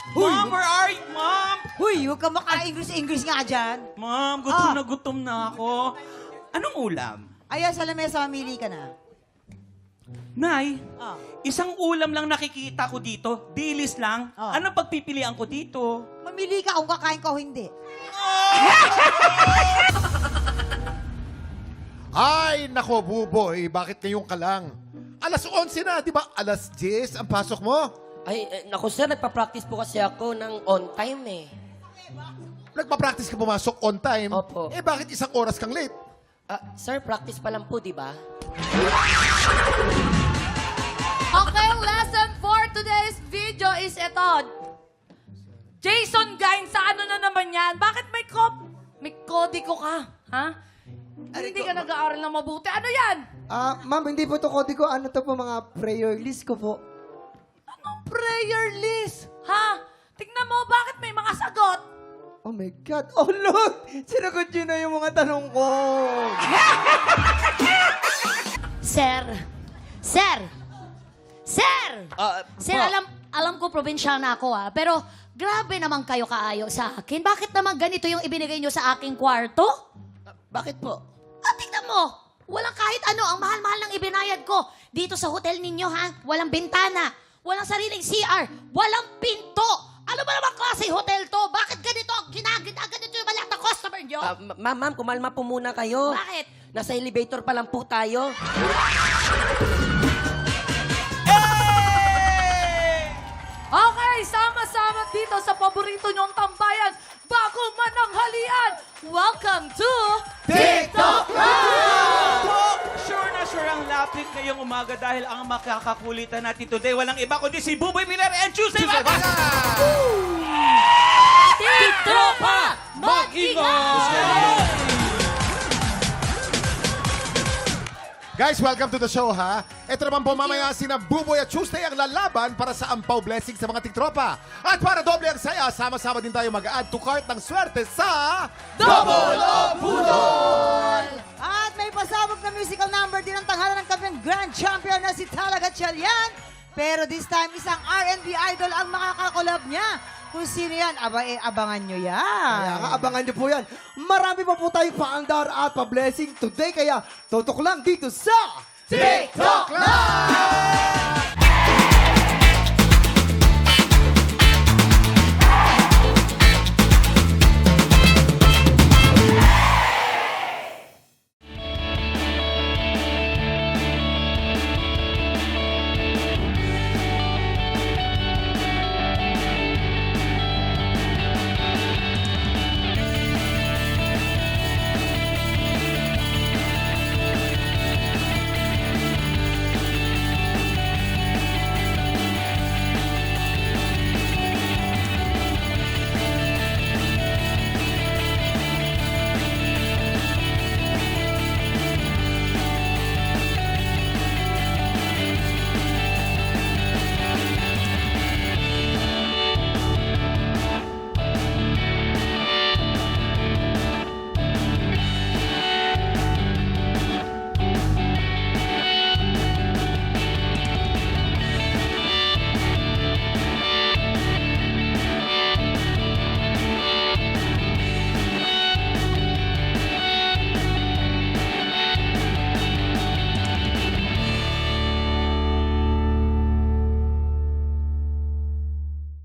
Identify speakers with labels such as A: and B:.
A: Mom, where are you, Mom?
B: Huy, huwag ka maka-English nga dyan.
A: Mom, gutom na ako. Anong ulam?
B: Ayan, sa lamesa, mamili ka na.
A: Nay,
B: Ah.
A: isang ulam lang nakikita ko dito. Dilis lang.
B: Ah.
A: Ano pagpipilian ko dito?
B: Mamili ka kung kakain ka o hindi.
C: Ay, nako, Buboy, bakit ngayon ka lang? Alas 11 na, di ba? Alas 10 ang pasok mo.
D: Ay, naku sir, nagpa-practice po kasi ako ng on time eh.
C: Nagpa-practice ka pumasok on time.
D: Opo.
C: Eh, bakit isang oras kang late?
D: Sir, practice pa lang po, di ba?
E: Okay, lesson for today's video is ito. Jason Gain, sa ano na naman yan? Bakit may kodiko ka? Ha? Hindi ka nag-aaral ng mabuti. Ano yan?
F: Ma'am, hindi po to kodigo. Ano to po, mga prayer list ko po.
E: Anong prayer list? Ha? Tignan mo, bakit may mga sagot?
F: Oh my God. Oh, look! Sinagot yun na yung mga tanong ko.
G: Sir! Sir! Sir! Sir, alam ko probinsya na ako pero grabe naman kayo kaayo sa akin. Bakit naman ganito yung ibinigay nyo sa aking kwarto?
D: Bakit po?
G: Tignan mo! Walang kahit ano, ang mahal-mahal ng ibinayad ko. Dito sa hotel ninyo, ha? Walang bintana, walang sariling CR, walang pinto. Ano ba naman klase hotel to? Bakit ganito ang ganito yung maliit na customer nyo?
D: Ma'am, kumalma po muna kayo.
G: Bakit?
D: Nasa elevator pa lang po tayo.
E: Okay, sama-sama dito sa paborito nyong tambayan bago mananghalian. Welcome to TikTok
A: Sure ang lapit ngayong umaga dahil ang makakakulitan natin today walang iba kundi si Buboy Miller and Tuesday Baga!
G: Tiktropa!
A: Mag-ingay!
C: Guys, welcome to the show, ha? Ito naman po mamaya sina Buboy at Tuesday ang lalaban para sa ampaw blessing sa mga tiktropa. At para doble ang saya, sama-sama din tayo mag-add to cart ng swerte sa...
A: Double o Budol!
B: At may pasabog na musical number din ang tanghalan ng kampiyon grand champion na si Talaga Chalian. Pero this time, isang R&B idol ang makakakolab niya. Kung sino yan, abangan nyo yan.
F: Kaya nga, abangan niyo po yan. Marami pa po tayong paandar at pa-blessing today. Kaya, tutok lang dito sa...
C: TikTok Live!